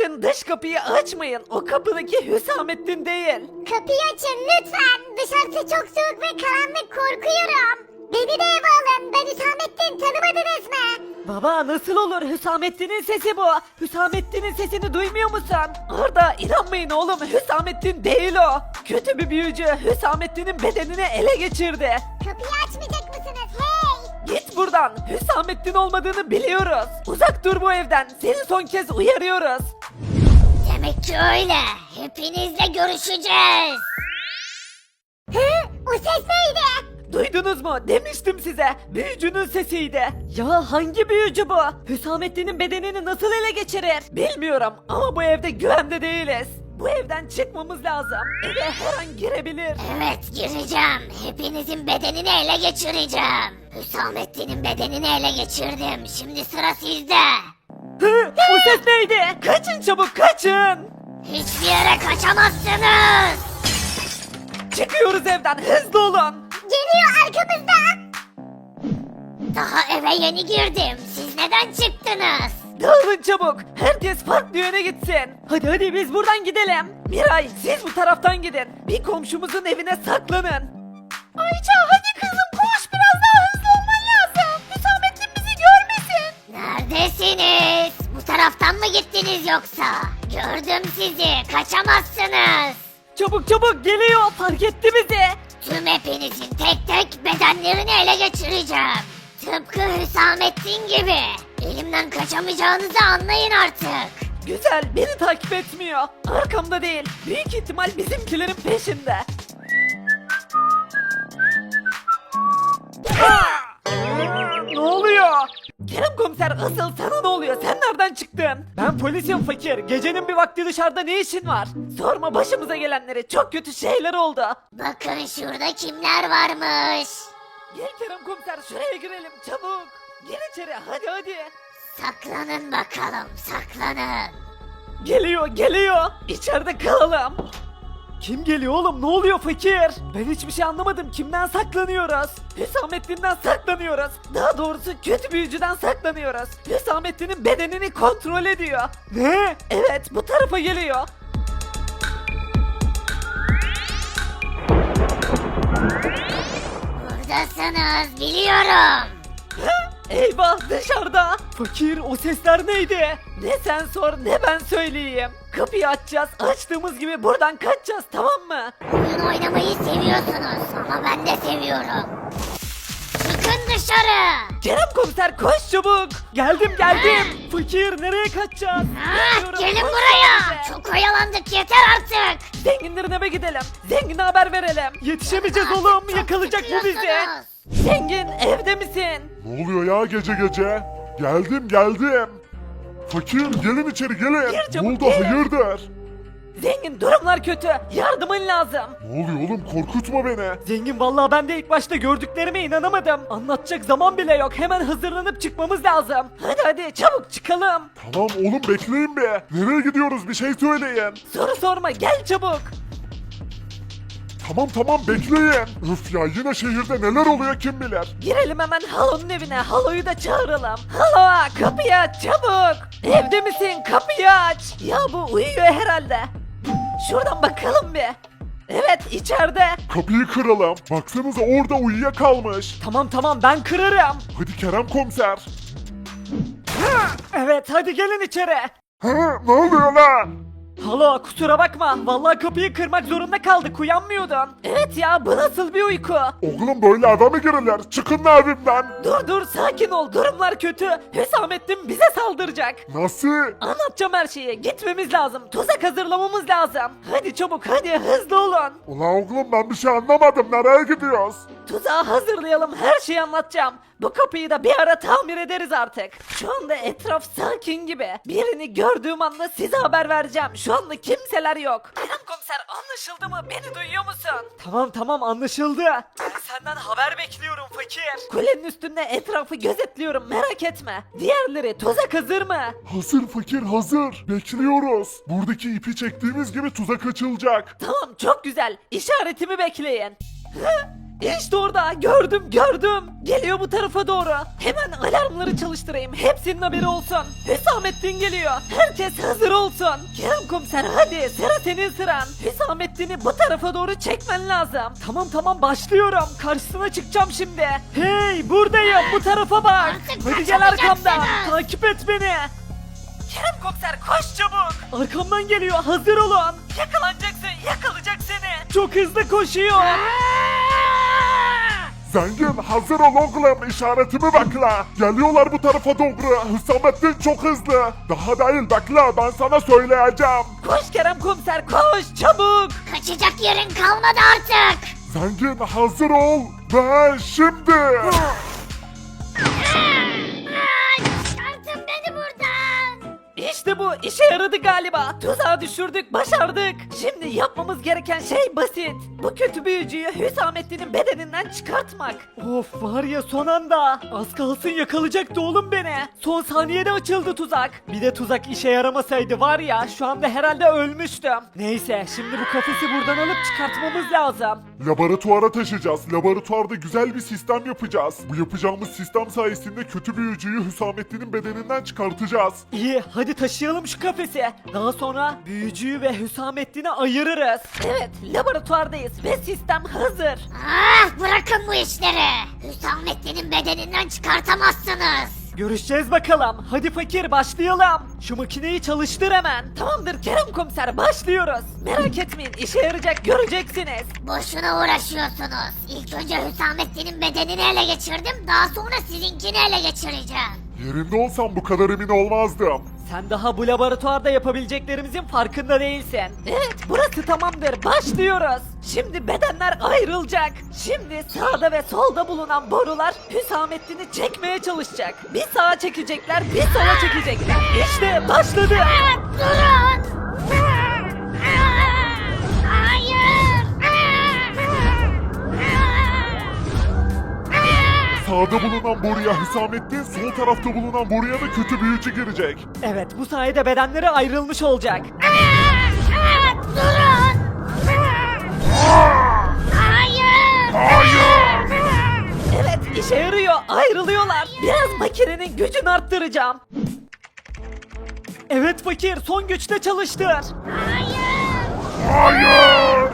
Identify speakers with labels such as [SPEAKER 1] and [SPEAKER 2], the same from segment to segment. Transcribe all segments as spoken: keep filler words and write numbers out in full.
[SPEAKER 1] Sakın dış kapıyı açmayın. O kapıdaki Hüsamettin değil.
[SPEAKER 2] Kapıyı açın lütfen. Dışarısı çok soğuk ve karanlık, korkuyorum. Beni de eve alın. Ben Hüsamettin, tanımadınız mı?
[SPEAKER 1] Baba nasıl olur? Hüsamettin'in sesi bu. Hüsamettin'in sesini duymuyor musun? Arda inanmayın oğlum. Hüsamettin değil o. Kötü bir büyücü Hüsamettin'in bedenini ele geçirdi.
[SPEAKER 2] Kapıyı açmayacak mısınız? Hey!
[SPEAKER 1] Git buradan. Hüsamettin olmadığını biliyoruz. Uzak dur bu evden. Seni son kez uyarıyoruz.
[SPEAKER 2] Demek ki öyle. Hepinizle görüşeceğiz. Hı? O ses neydi?
[SPEAKER 1] Duydunuz mu? Demiştim size. Büyücünün sesiydi. Ya hangi büyücü bu? Hüsamettin'in bedenini nasıl ele geçirir? Bilmiyorum ama bu evde güvende değiliz. Bu evden çıkmamız lazım. Eve her an girebilir.
[SPEAKER 2] Evet, gireceğim. Hepinizin bedenini ele geçireceğim. Hüsamettin'in bedenini ele geçirdim. Şimdi sıra sizde.
[SPEAKER 1] Hı, bu ses neydi? Kaçın çabuk kaçın.
[SPEAKER 2] Hiçbir yere kaçamazsınız.
[SPEAKER 1] Çıkıyoruz evden hızlı olun.
[SPEAKER 2] Geliyor arkamızda. Daha eve yeni girdim. Siz neden çıktınız?
[SPEAKER 1] Dağılın çabuk. Herkes farklı yöne gitsin. Hadi hadi biz buradan gidelim. Miray siz bu taraftan gidin. Bir komşumuzun evine saklanın. Ayça hadi kızım koş biraz daha hızlı olman lazım. Hüsamettin bizi görmesin.
[SPEAKER 2] Neredesiniz? Bu taraftan mı gittiniz yoksa? Gördüm sizi. Kaçamazsınız.
[SPEAKER 1] Çabuk çabuk geliyor fark etti bizi.
[SPEAKER 2] Tüm hepinizin tek tek bedenlerini ele geçireceğim. Tıpkı Hüsamettin gibi. Elimden kaçamayacağınızı anlayın artık.
[SPEAKER 1] Güzel beni takip etmiyor. Arkamda değil. Büyük ihtimal bizimkilerin peşinde. Ne oluyor? Kerem komiser asıl sana ne oluyor? Sen nereden çıktın? Ben polisim fakir. Gecenin bir vakti dışarıda ne işin var? Sorma başımıza gelenleri. Çok kötü şeyler oldu.
[SPEAKER 2] Bakın şurada kimler varmış.
[SPEAKER 1] Gel Kerem komiser şuraya girelim çabuk. Gir içeri hadi hadi.
[SPEAKER 2] Saklanın bakalım, saklanın.
[SPEAKER 1] Geliyor geliyor. İçeride kalalım. Kim geliyor oğlum ne oluyor fakir? Ben hiçbir şey anlamadım kimden saklanıyoruz? Hüsamettin'den saklanıyoruz. Daha doğrusu kötü büyücüden saklanıyoruz. Hüsamettin'in bedenini kontrol ediyor. Ne? Evet bu tarafa geliyor.
[SPEAKER 2] Buradasınız, biliyorum.
[SPEAKER 1] Eyvah dışarıda. Fakir o sesler neydi? Ne sen sor ne ben söyleyeyim. Kapıyı açacağız açtığımız gibi buradan kaçacağız tamam mı?
[SPEAKER 2] Oyun oynamayı seviyorsunuz ama ben de seviyorum. Çıkın dışarı.
[SPEAKER 1] Kerem komiser koş çabuk. Geldim geldim. Fakir nereye kaçacağız?
[SPEAKER 2] Ah,
[SPEAKER 1] Bilmiyorum,
[SPEAKER 2] gelin
[SPEAKER 1] koş
[SPEAKER 2] buraya.
[SPEAKER 1] bize.
[SPEAKER 2] Çok oyalandık, yeter artık.
[SPEAKER 1] Zenginlerin eve gidelim. Zengine haber verelim. Yetişemeyeceğiz oğlum.
[SPEAKER 2] Çok
[SPEAKER 1] Yakalayacak bu bizi.
[SPEAKER 2] sıkıyorsunuz.
[SPEAKER 1] Zengin evde misin?
[SPEAKER 3] Ne oluyor ya gece gece? Geldim geldim. Fakir gelin içeri gelin.
[SPEAKER 1] Gir
[SPEAKER 3] Ne
[SPEAKER 1] çabuk,
[SPEAKER 3] oldu
[SPEAKER 1] gir.
[SPEAKER 3] hayırdır?
[SPEAKER 1] Zengin durumlar kötü. Yardımın lazım.
[SPEAKER 3] Ne oluyor oğlum korkutma beni.
[SPEAKER 1] Zengin vallahi ben de ilk başta gördüklerime inanamadım. Anlatacak zaman bile yok. Hemen hazırlanıp çıkmamız lazım. Hadi hadi çabuk çıkalım.
[SPEAKER 3] Tamam oğlum bekleyin bir. Nereye gidiyoruz bir şey söyleyin.
[SPEAKER 1] Soru sorma gel çabuk.
[SPEAKER 3] Tamam tamam bekleyin. Üf ya yine şehirde neler oluyor kim bilir.
[SPEAKER 1] Girelim hemen Halo'nun evine. Halo'yu da çağıralım. Halo kapıyı aç çabuk. Evde misin? Kapıyı aç. Ya bu uyuyor herhalde. Şuradan bakalım bir. Evet içeride.
[SPEAKER 3] Kapıyı kıralım. Baksanıza orada uyuyakalmış.
[SPEAKER 1] Tamam tamam ben kırarım.
[SPEAKER 3] Hadi Kerem komiser.
[SPEAKER 1] Evet hadi gelin içeri.
[SPEAKER 3] Ha, ne oluyor lan?
[SPEAKER 1] Halo kusura bakma. Vallahi kapıyı kırmak zorunda kaldık. Uyanmıyordun. Evet ya bu nasıl bir uyku?
[SPEAKER 3] Oğlum böyle eve mi girilir? Çıkın lan evimden.
[SPEAKER 1] Dur dur sakin ol. Durumlar kötü. Hüsamettin bize saldıracak.
[SPEAKER 3] Nasıl?
[SPEAKER 1] Anlatacağım her şeyi. Gitmemiz lazım. Tuzak hazırlamamız lazım. Hadi çabuk hadi hızlı olun.
[SPEAKER 3] Ulan oğlum ben bir şey anlamadım. Nereye gidiyoruz?
[SPEAKER 1] Tuzağı hazırlayalım. Her şeyi anlatacağım. Bu kapıyı da bir ara tamir ederiz artık. Şu anda etraf sakin gibi. Birini gördüğüm anda size haber vereceğim. Şu anda kimseler yok. Kerem komiser anlaşıldı mı? Beni duyuyor musun? Tamam tamam anlaşıldı. Ben senden haber bekliyorum fakir. Kulenin üstünde etrafı gözetliyorum merak etme. Diğerleri tuzak hazır mı?
[SPEAKER 3] Hazır fakir hazır. Bekliyoruz. Buradaki ipi çektiğimiz gibi tuzak açılacak.
[SPEAKER 1] Tamam çok güzel. İşaretimi bekleyin. Hı? İşte orada gördüm gördüm. Geliyor bu tarafa doğru. Hemen alarmları çalıştırayım. Hepsinin haberi olsun. Hüsamettin geliyor. Herkes hazır olsun. Kerem komiser hadi sıra senin sıran. Hüsamettin'i bu tarafa doğru çekmen lazım. Tamam tamam başlıyorum. Karşısına çıkacağım şimdi. Hey buradayım bu tarafa bak.
[SPEAKER 2] Artık
[SPEAKER 1] Hadi gel arkamdan.
[SPEAKER 2] kaçamayacaksınız.
[SPEAKER 1] Takip et beni. Kerem komiser koş çabuk. Arkamdan geliyor hazır olun. Yakalanacaksın yakalayacak seni. Çok hızlı koşuyor.
[SPEAKER 3] Zengin hazır ol oğlum, işaretimi bekle. Geliyorlar bu tarafa doğru. Hüsamettin çok hızlı. Daha değil, bekle, ben sana söyleyeceğim.
[SPEAKER 1] Koş Kerem komiser koş çabuk.
[SPEAKER 2] Kaçacak yerin kalmadı artık.
[SPEAKER 3] Zengin hazır ol ve şimdi.
[SPEAKER 2] Çıkartın beni buradan.
[SPEAKER 1] İşte bu işe yaradı galiba. Tuzağa düşürdük başardık. Şimdi yapmamız gereken şey basit. Bu kötü büyücüyü Hüsamettin'in bedeninden çıkartmak. Of var ya son anda. Az kalsın yakalayacaktı oğlum beni. Son saniyede açıldı tuzak. Bir de tuzak işe yaramasaydı var ya şu anda herhalde ölmüştüm. Neyse şimdi bu kafesi buradan alıp çıkartmamız lazım.
[SPEAKER 3] Laboratuvara taşıyacağız. Laboratuvarda güzel bir sistem yapacağız. Bu yapacağımız sistem sayesinde kötü büyücüyü Hüsamettin'in bedeninden çıkartacağız.
[SPEAKER 1] İyi hadi taşıyalım şu kafesi. Daha sonra büyücüyü ve Hüsamettin'i ayırırız. Evet laboratuvardayız ve sistem hazır.
[SPEAKER 2] Ah bırakın bu işleri. Hüsamettin'in bedeninden çıkartamazsınız.
[SPEAKER 1] Görüşeceğiz bakalım. Hadi fakir başlayalım. Şu makineyi çalıştır hemen. Tamamdır Kerem komiser başlıyoruz. Merak etmeyin işe yarayacak göreceksiniz.
[SPEAKER 2] Boşuna uğraşıyorsunuz. İlk önce Hüsamettin'in bedenini ele geçirdim. Daha sonra sizinkini ele geçireceğim.
[SPEAKER 3] Yerinde olsam bu kadar emin olmazdım.
[SPEAKER 1] Sen daha bu laboratuvarda yapabileceklerimizin farkında değilsin. Evet burası tamamdır başlıyoruz. Şimdi bedenler ayrılacak. Şimdi sağda ve solda bulunan borular Hüsamettin'i çekmeye çalışacak. Bir sağa çekecekler bir sola çekecekler. İşte başladı.
[SPEAKER 2] Ah, durun. Hayır.
[SPEAKER 3] Sağda bulunan boruya Hüsamettin, sol tarafta bulunan boruya da kötü büyücü girecek.
[SPEAKER 1] Evet bu sayede bedenleri ayrılmış olacak.
[SPEAKER 2] Durun. Hayır.
[SPEAKER 3] Hayır!
[SPEAKER 1] Evet işe yarıyor ayrılıyorlar. Biraz makinenin gücünü arttıracağım. Evet fakir son güçte çalıştır.
[SPEAKER 3] Hayır!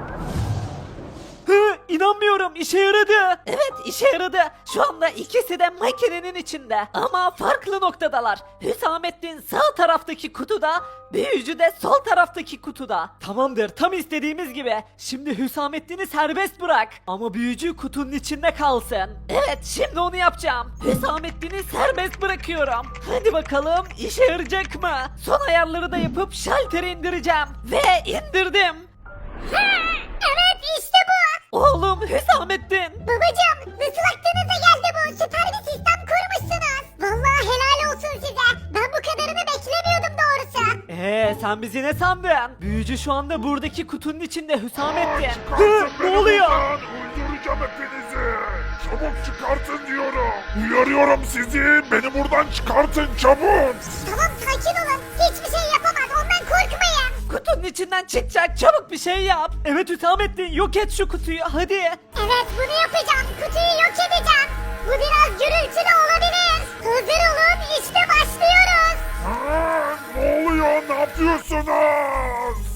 [SPEAKER 1] Hı, inanmıyorum işe yaradı. Evet işe yaradı. Şu anda ikisi de makinenin içinde. Ama farklı noktadalar. Hüsamettin sağ taraftaki kutuda, büyücü de sol taraftaki kutuda. Tamamdır tam istediğimiz gibi. Şimdi Hüsamettin'i serbest bırak. Ama büyücü kutunun içinde kalsın. Evet şimdi onu yapacağım. Hüsamettin'i serbest bırakıyorum. Hadi bakalım işe yarayacak mı? Son ayarları da yapıp şalteri indireceğim. Ve indirdim.
[SPEAKER 2] Evet işte bu.
[SPEAKER 1] Oğlum Hüsamettin.
[SPEAKER 2] Babacım nasıl aklınıza geldi bu? Süper bir sistem kurmuşsunuz. Vallahi helal olsun size. Ben bu kadarını beklemiyordum doğrusu.
[SPEAKER 1] Ee sen bizi ne sandın? Büyücü şu anda buradaki kutunun içinde Hüsamettin. Hı, ne oluyor?
[SPEAKER 3] Öldüreceğim hepinizi! Çabuk çıkartın diyorum! Uyarıyorum sizi! Beni buradan çıkartın çabuk!
[SPEAKER 2] Tamam sakin olun. Hiçbir şey yapamaz. Ondan korkmayın.
[SPEAKER 1] Kutunun içinden çıkacak çabuk bir şey yap. Evet Hüsamettin yok et şu kutuyu hadi.
[SPEAKER 2] Evet bunu yapacağım. Kutuyu yok edeceğim. Bu biraz gürültülü olabilir. Hazır olun işte başlıyoruz.
[SPEAKER 3] Aa, ne oluyor? Ne yapıyorsunuz?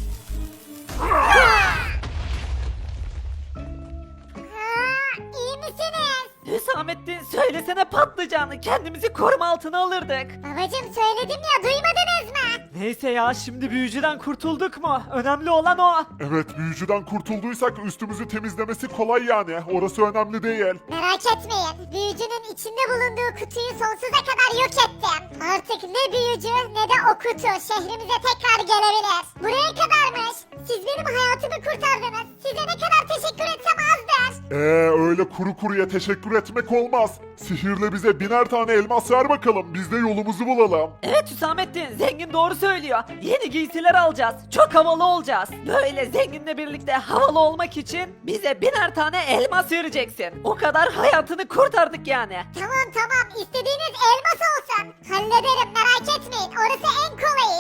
[SPEAKER 2] Ha, iyi misiniz?
[SPEAKER 1] Hüsamettin söylesene patlayacağını kendimizi koruma altına alırdık.
[SPEAKER 2] Babacım söyledim ya duymadınız mı?
[SPEAKER 1] Neyse ya şimdi büyücüden kurtulduk mu? Önemli olan o.
[SPEAKER 3] Evet, büyücüden kurtulduysak üstümüzü temizlemesi kolay yani. Orası önemli değil.
[SPEAKER 2] Merak etmeyin. Büyücünün içinde bulunduğu kutuyu sonsuza kadar yok ettim. Artık ne büyücü ne de o kutu şehrimize tekrar gelebilir. Buraya kadarmış. Siz benim hayatımı kurtardınız. Size ne kadar teşekkür etsem azdır.
[SPEAKER 3] Ee öyle kuru kuruya teşekkür etmek olmaz. Sihirle bize biner tane elmas ver bakalım. Biz de yolumuzu bulalım.
[SPEAKER 1] Evet Hüsamettin zengin doğru söylüyor. Yeni giysiler alacağız. Çok havalı olacağız. Böyle zenginle birlikte havalı olmak için bize biner tane elmas vereceksin. O kadar hayatını kurtardık yani.
[SPEAKER 2] Tamam tamam istediğiniz elmas olsun. Hallederim merak etmeyin. Orası en kolayı.